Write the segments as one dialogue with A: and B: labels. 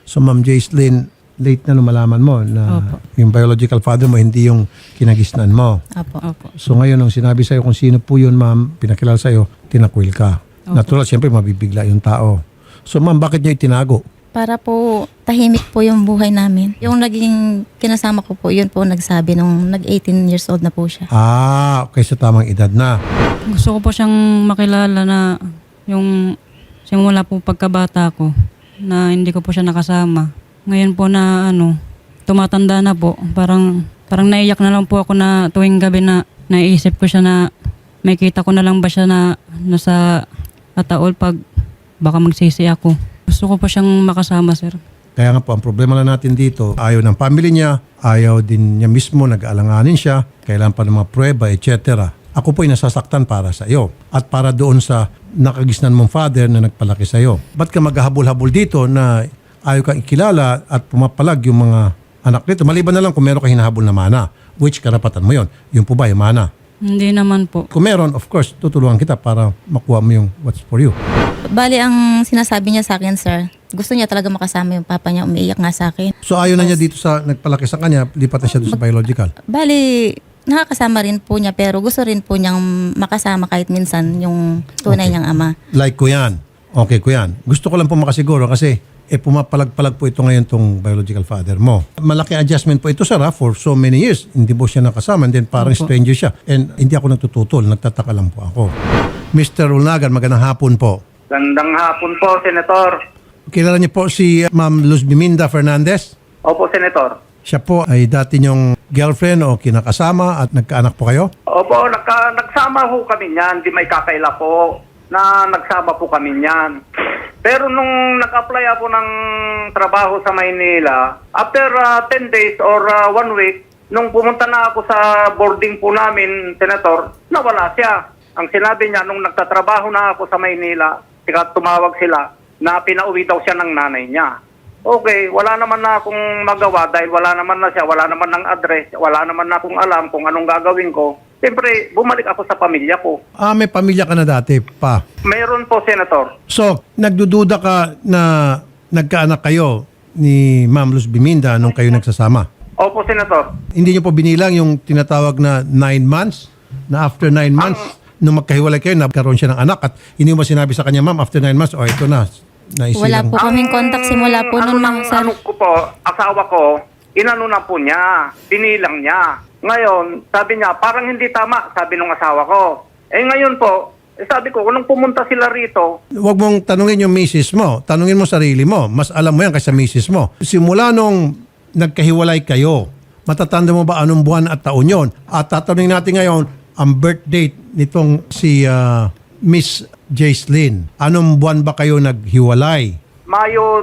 A: So Ma'am Jaislyn, late na nung malaman mo na
B: Opo.
A: yung biological father mo hindi yung kinagisnan mo.
B: Opo.
A: So ngayon, nung sinabi sa'yo kung sino po yun, ma'am, pinakilala sa'yo, tinakwil ka. Natural, siyempre, mabibigla yung tao. So ma'am, bakit niya itinago?
C: Para po tahimik po yung buhay namin. Yung naging kinasama ko po, yun po nagsabi nung nag-18 years old na po siya.
A: Okay, sa tamang edad na.
B: Gusto ko po siyang makilala na yung simula po pagkabata ko na hindi ko po siya nakasama. Ngayon po na tumatanda na po, parang naiyak na lang po ako na tuwing gabi na naiisip ko siya na may kita ko na lang ba siya na nasa ataol pag baka magsisi ako. Gusto ko po siyang makasama, sir.
A: Kaya nga po, ang problema lang natin dito, ayaw ng family niya, ayaw din niya mismo, nag-aalanganin siya, kailangan pa ng mga prueba, etc. Ako po ay nasasaktan para sa iyo at para doon sa nakagisnan mong father na nagpalaki sa iyo. Ba't ka maghahabol-habol dito na ayaw kang ikilala at pumapalag yung mga anak nito? Maliban na lang kung meron kang hinahabol na mana, which karapatan mo yon. Yung po ba yung mana?
B: Hindi naman po.
A: Kung meron, of course, tutulungan kita para makuha mo yung what's for you.
C: Bali, ang sinasabi niya sa akin, sir, gusto niya talaga makasama yung papa niya, umiiyak nga sa akin.
A: So ayaw na niya dito sa nagpalaki sa kanya, lipat na siya doon sa biological.
C: Bali, nakakasama rin po niya pero gusto rin po niyang makasama kahit minsan yung tunay niyang ama.
A: Like ko yan. Okay ko yan. Gusto ko lang po makasiguro kasi pumapalag-palag po ito ngayon tong biological father mo. Malaki adjustment po ito, sir, for so many years. Hindi po siya nakasama and then parang stranger siya. And hindi ako nagtututol. Nagtataka lang po ako. Mr. Ulnagan, magandang hapon po.
D: Gandang hapon po, Senator.
A: Kilala niyo po si Ma'am Luz Biminda Fernandez?
D: Opo, Senator.
A: Siya po ay dati niyong girlfriend o kinakasama at nagkaanak po kayo?
D: Opo, nagsama ho kami niyan. Di may kakaila po na nagsama po kami niyan. Pero nung nag-apply ako ng trabaho sa Maynila, after 10 days or 1 week, nung pumunta na ako sa boarding po namin, Senator, nawala siya. Ang sinabi niya, nung nagtatrabaho na ako sa Maynila, tumawag sila na pinauwi daw siya ng nanay niya. Okay, wala naman na akong magawa dahil wala naman na siya, wala naman ng address, wala naman na akong alam kung anong gagawin ko. Siyempre, bumalik ako sa pamilya ko.
A: May pamilya ka na dati pa.
D: Mayroon po, Senator.
A: So, nagdududa ka na nagkaanak kayo ni Ma'am Luz Biminda nung kayo nagsasama?
D: Opo, Senator.
A: Hindi niyo po binilang yung tinatawag na 9 months? Na after 9 months, nung magkahiwalay kayo, nagkaroon siya ng anak at hindi mo sinabi sa kanya, ma'am, after 9 months, ito na.
C: Wala po kaming contact simula po nun, mga sir.
D: Ano ko po, asawa ko, inano na po niya, binilang niya. Ngayon, sabi niya, parang hindi tama, sabi nung asawa ko. Ngayon po, sabi ko, nung pumunta sila rito,
A: Huwag mong tanungin yung misis mo. Tanungin mo sarili mo. Mas alam mo yan kaysa misis mo. Simula nung nagkahiwalay kayo, matatanda mo ba anong buwan at taon yon? At tatanungin natin ngayon, ang birth date nitong si Miss Jaislyn. Anong buwan ba kayo naghiwalay?
D: Mayo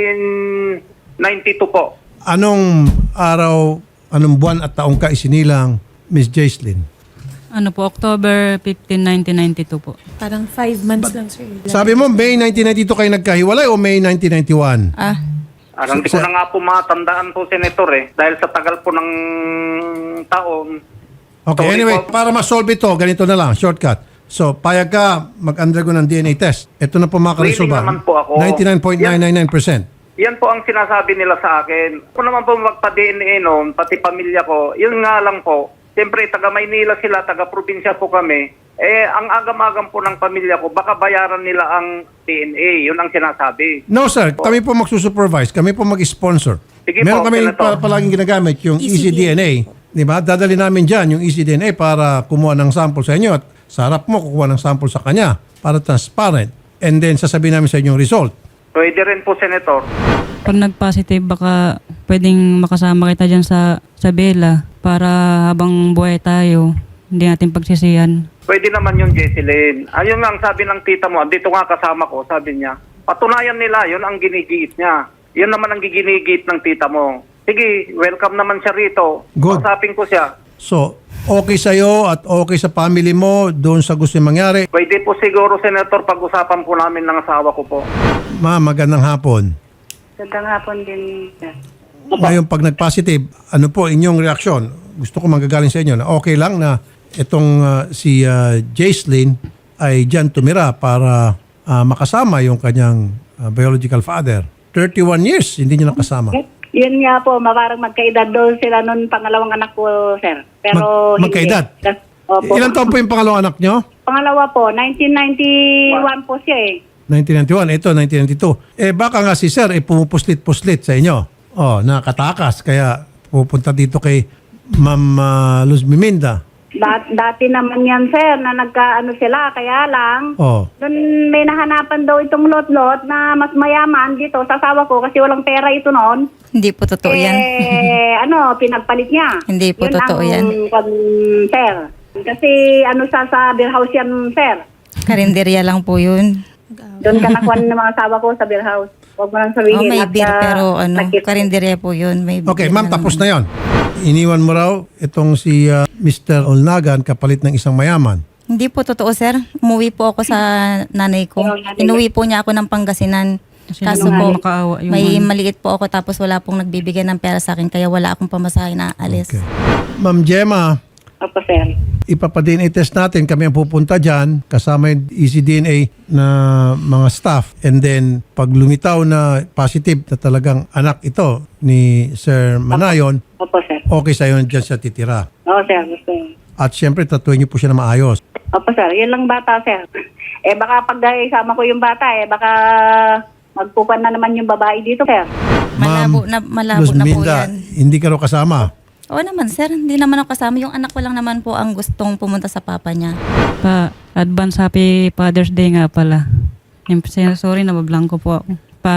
D: 1992 po.
A: Anong araw, anong buwan at taong ka isinilang Miss Jaislyn?
B: October 15, 1992 po.
E: Parang 5 months lang, sir.
A: Sabi mo, May 1992 kayo nagkahiwalay o May 1991?
D: Hindi ko na nga po matandaan po, Senator, dahil sa tagal po ng taon.
A: Okay,
D: Sorry
A: anyway,
D: po.
A: para ma-solve ito, ganito na lang, shortcut. So, payag ka mag-undergo ng DNA test. Ito na po mga karesolba.
D: Willing naman po ako.
A: 99.999%.
D: Yan po ang sinasabi nila sa akin. Ako naman po magpa-DNA noon, pati pamilya ko. Yun nga lang po. Siyempre, taga Maynila sila, taga probinsya po kami. Ang agam-agam po ng pamilya ko, baka bayaran nila ang DNA. Yun ang sinasabi.
A: No sir, kami po magsusupervise, kami po mag-sponsor.
D: Sige
A: Meron
D: po,
A: kami
D: Senator.
A: palaging ginagamit yung ECDNA. Di ba? Dadali namin dyan yung ECDNA para kumuha ng sample sa inyo at sa harap mo kukuha ng sample sa kanya para transparent. And then sasabihin namin sa inyo yung result.
D: Pwede rin po, Senator.
B: Pag nag-positive, baka pwedeng makasama kita dyan sa Bella para habang buhay tayo, hindi natin pagsisihan.
D: Pwede naman yung Jesselyn. Ayun nga ang sabi ng tita mo, dito nga kasama ko, sabi niya. Patunayan nila, yun ang ginigiit niya. Yun naman ang giginigit ng tita mo. Sige, welcome naman siya rito.
A: Good.
D: Kausapin ko siya.
A: So, okay sa'yo at okay sa family mo doon sa gusto yung mangyari.
D: Pwede po siguro, Senator, pag-usapan po namin ng asawa ko po.
A: Ma'am, magandang hapon.
F: Gandang hapon din.
A: Ngayon, pag nag-positive, ano po inyong reaksyon? Gusto ko magagaling sa inyo na okay lang na itong si Jaislyn ay dyan tumira para makasama yung kanyang biological father. 31 years, hindi niyo nakasama.
F: Yun nga po, parang magkaedad doon sila nun pangalawang anak ko, sir. Pero
A: Magkaedad?
F: Opo.
A: Ilan taon po yung pangalawang anak niyo?
F: Pangalawa po, 1991 po siya eh.
A: 1991, ito 1992. Baka nga si sir pumupuslit-puslit sa inyo. Nakatakas. Kaya pupunta dito kay Ma'am Luz Biminda.
F: Dati naman yan, sir, na nagkaano sila, kaya lang, doon may nahanapan daw itong lot-lot na mas mayaman dito sa asawa ko kasi walang pera ito noon.
C: Hindi po totoo yan.
F: Pinagpalit niya.
C: Hindi po totoo yan.
F: Sir. Kasi sa beer house yan, sir.
C: Karinderya lang po yun.
F: Doon ka nakuha ng mga asawa ko sa beer house. Huwag mo lang sabihin.
C: May beer pero
F: nagkit-
C: karinderya po yun. May
A: Okay,
C: beer
A: ma'am,
C: na
A: tapos
C: lang.
A: na yon. Iniwan mo raw itong si Mr. Olnagan kapalit ng isang mayaman.
C: Hindi po totoo, sir. Umuwi po ako sa nanay ko. Inuwi po niya ako ng Pangasinan.
B: Kasi
C: Kaso
B: hindi
C: po,
B: naman makaawa yung
C: may
B: ano.
C: maliit po ako tapos wala pong nagbibigay ng pera sa akin kaya wala akong pamasahe na alis.
A: Okay. Ma'am Gemma,
F: Opo, sir.
A: ipapa-DNA test natin. Kami ang pupunta dyan. Kasama yung ECDNA na mga staff. And then, pag lumitaw na positive na talagang anak ito ni Sir Manayon,
F: Opo, sir.
A: okay sa'yo dyan siya titira.
F: Oo, sir. Gusto.
A: At syempre, tatuin niyo po siya na maayos.
F: Opo, sir. Yun lang bata, sir. Baka pag isama ko yung bata, baka magpupan na naman yung babae dito, sir.
C: Malabo na
A: Luz
C: po
A: Minda,
C: yan.
A: hindi ka raw kasama.
C: Oo naman, sir. Hindi naman ako kasama. Yung anak ko lang naman po ang gustong pumunta sa papa niya.
B: Advance Happy Father's Day nga pala. Sorry, nabablanko po ako.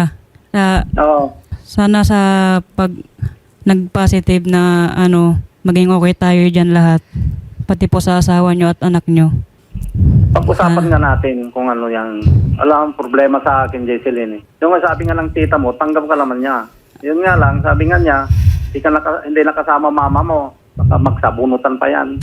F: Oo.
B: Sana sa pag nag-positive na maging okay tayo dyan lahat. Pati po sa asawa nyo at anak nyo.
D: Pag-usapan nga natin kung ano yan. Alam, problema sa akin, Jesseline. Yung nga sabi nga ng tita mo, tanggap ka naman niya. Yun nga lang, sabi nga niya, hindi nakasama mama mo. Baka magsabunutan pa yan.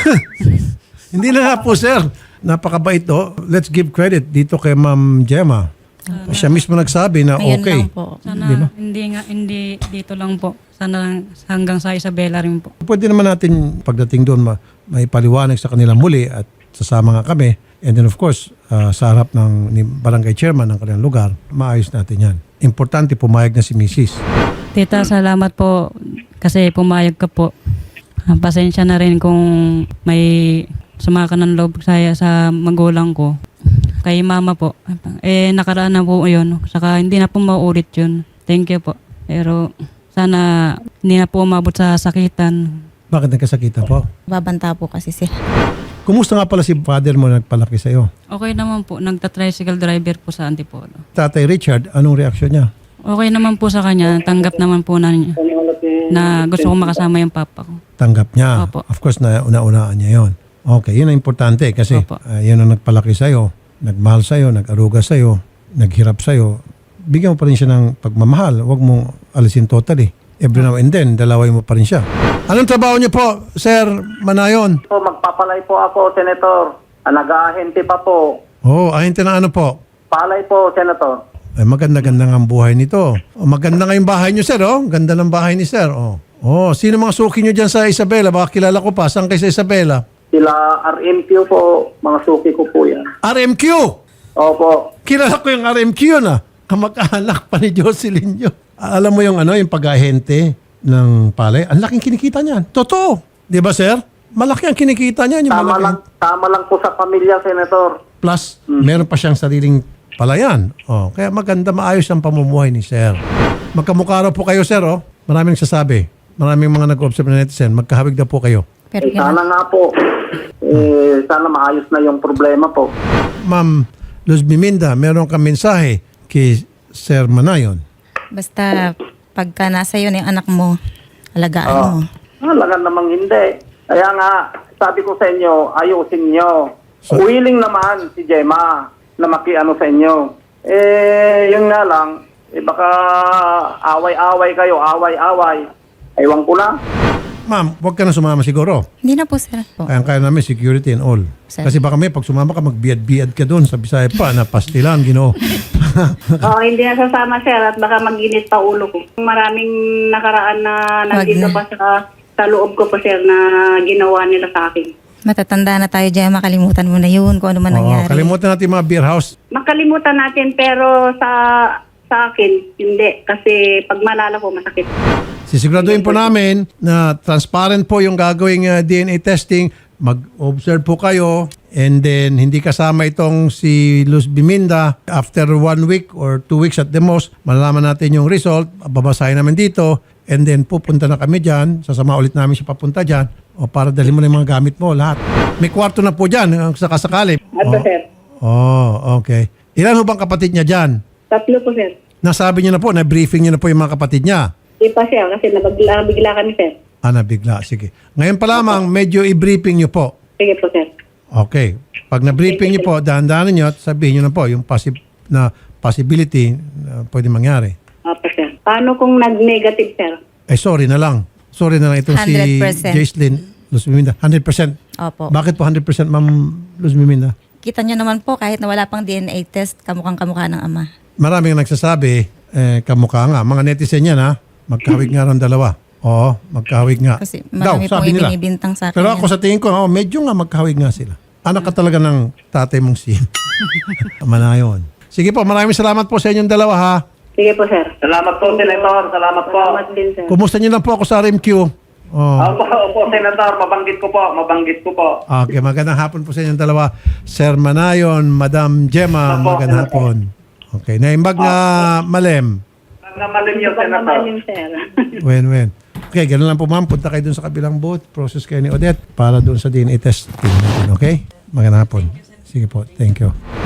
A: Hindi na nga po, sir. Napakabait to. Let's give credit dito kay Ma'am Gemma. Siya mismo nagsabi na
C: Ngayon
A: okay.
C: lang po.
B: Sana
A: Di ba?
B: hindi dito lang po. Sana hanggang sa Isabela rin po.
A: Pwede naman natin pagdating doon may paliwanag sa kanila muli at sasama nga kami. And then of course, sa harap ni barangay chairman ng kanilang lugar, maayos natin yan. Importante, pumayag na si Mrs.
B: Tita, salamat po kasi pumayag ka po. Pasensya na rin kung may sumaka ng loob saya sa magulang ko. Kay mama po. Nakaraan na po yun. Saka hindi na po mauulit yun. Thank you po. Pero sana hindi na po umabot sa sakitan.
A: Bakit nagkasakitan po?
C: Babanta po kasi sila.
A: Kumusta nga pala si father mo nagpalaki sa'yo?
B: Okay naman po. Nagta-tricycle driver po sa Antipolo.
A: Tatay Richard, anong reaksyon niya?
B: Okay naman po sa kanya. Tanggap naman po na niya na gusto ko makasama yung papa ko.
A: Tanggap niya.
B: Opo.
A: Of course, una-unaan niya yon. Okay, yun ang importante kasi
B: Opo.
A: yun ang nagpalaki sa'yo, nagmahal sa'yo, nag-aruga sa'yo, naghirap sa'yo. Bigyan mo pa rin siya ng pagmamahal. Huwag mong alisin totally. Every now and then, dalaway mo pa rin siya. Anong trabaho niyo po, Sir Manayon?
D: Po, magpapalay po ako, Senator. Nag-ahente pa po.
A: Ahente na ano po?
D: Palay po, Senator.
A: Maganda-ganda nga ang buhay nito. Maganda nga yung bahay niyo, Sir. Ganda ng bahay ni Sir. Sino mga suki niyo dyan sa Isabela? Baka kilala ko pa. Saan kayo sa Isabela?
D: Sila RMQ po, mga suki ko po yan.
A: RMQ!
D: Opo.
A: Kilala ko yung RMQ yun Kamag-anak pa ni Jocelyn yun. Alam mo yung yung pag-ahente ng palay? Ang laking kinikita niyan. Totoo. Di ba, Sir? Malaki ang kinikita niyan. Yung
D: Tama lang po sa pamilya, Senator.
A: Plus, meron pa siyang sariling palayan. Kaya maganda, maayos ang pamumuhay ni Sir. Magkamukha raw po kayo, Sir. Maraming nagsasabi. Maraming mga nag-observe na netizen. Magkahawig na po kayo.
C: Pero
D: Sana nga po. Sana maayos na yung problema po.
A: Ma'am Luz Biminda, meron kang mensahe kay Sir Manayon.
C: basta pagka nasa yun yung anak mo, alagaan mo.
D: Alangan namang hindi. Kaya nga, sabi ko sa inyo, ayusin nyo. Willing naman si Gemma na makiano sa inyo. Yun nga lang, baka away-away kayo, away-away. Ewan ko na.
A: Ma'am, huwag ka na sumama siguro.
C: Hindi na po, sir. Po.
A: Kaya namin security and all.
C: Sir.
A: Kasi baka pag sumama ka, magbiad-biad ka doon sa Bisaya pa na pastilan, Ginoo.
F: Hindi na sasama, sir, at baka mag-init pa ulo ko. Maraming nakaraan na nandito
C: Wag
F: pa sa loob ko pa, sir, na ginawa nila sa akin.
C: Matatanda na tayo dyan, makalimutan mo na yun kung ano man nangyari.
A: Kalimutan natin yung mga beer house.
F: Makalimutan natin, pero sa Sa akin, hindi. Kasi pag malala ko, masakit.
A: Sisiguraduhin po namin na transparent po yung gagawing DNA testing. Mag-observe po kayo and then hindi kasama itong si Luz Biminda. After 1 week or 2 weeks at the most, malalaman natin yung result. Babasahin namin dito and then pupunta na kami dyan. Sasama ulit namin siya papunta dyan o para dalhin mo na yung mga gamit mo, lahat. May kwarto na po dyan, ang sakasakali.
F: Ato, sir.
A: Okay. Ilan ho bang kapatid niya dyan?
F: 3 po, sir.
A: Nasabi niyo na po, na-briefing niyo na po yung mga kapatid niya.
F: Di pa siya kasi nabigla kami, sir.
A: Nabigla. Sige. Ngayon pa lamang, medyo i-briefing niyo po.
F: Sige po, sir.
A: Okay. Pag na-briefing niyo po, dahan-dahanin niyo at sabihin niyo na po yung possibility na pwede mangyari.
F: Opo, sir. Paano kung nag-negative, sir?
A: Sorry na lang. Sorry na lang itong si
C: 100%.
A: Jacelyn Luz Biminda. 100%.
C: Opo.
A: Bakit po 100% Ma'am Luz Biminda?
C: Kita nyo naman po, kahit na wala pang DNA test, kamukhang kamukha ng ama.
A: Maraming nagsasabi, kamukha nga. Mga netizen yan ha. Magkahawig nga ron dalawa. Oo, magkahawig nga.
C: Kasi marami pong ibinibintang sa akin.
A: Pero ako
C: yan.
A: sa tingin ko, medyo nga magkahawig nga sila. Anak ka talaga ng tatay mong si Manayon. Sige po, maraming salamat po sa inyong dalawa ha.
F: Sige po, sir. Salamat po, Senator. Salamat po. Salamat din, sir.
A: Kumusta niyo lang po ako sa RMQ?
D: Opo, Senator. Mabanggit ko po.
A: Okay, magandang hapon po sa inyong dalawa. Sir Manayon, Madam Gemma, magandang hapon. Okay, naimbag na malem.
D: Namalim yun, Senator.
F: sir.
A: Wen. Okay, ganun lang po ma'am. Punta kayo dun sa kabilang booth. Process kayo ni Odette para dun sa DNA test. Okay? Magandang hapon. Sige po. Thank you.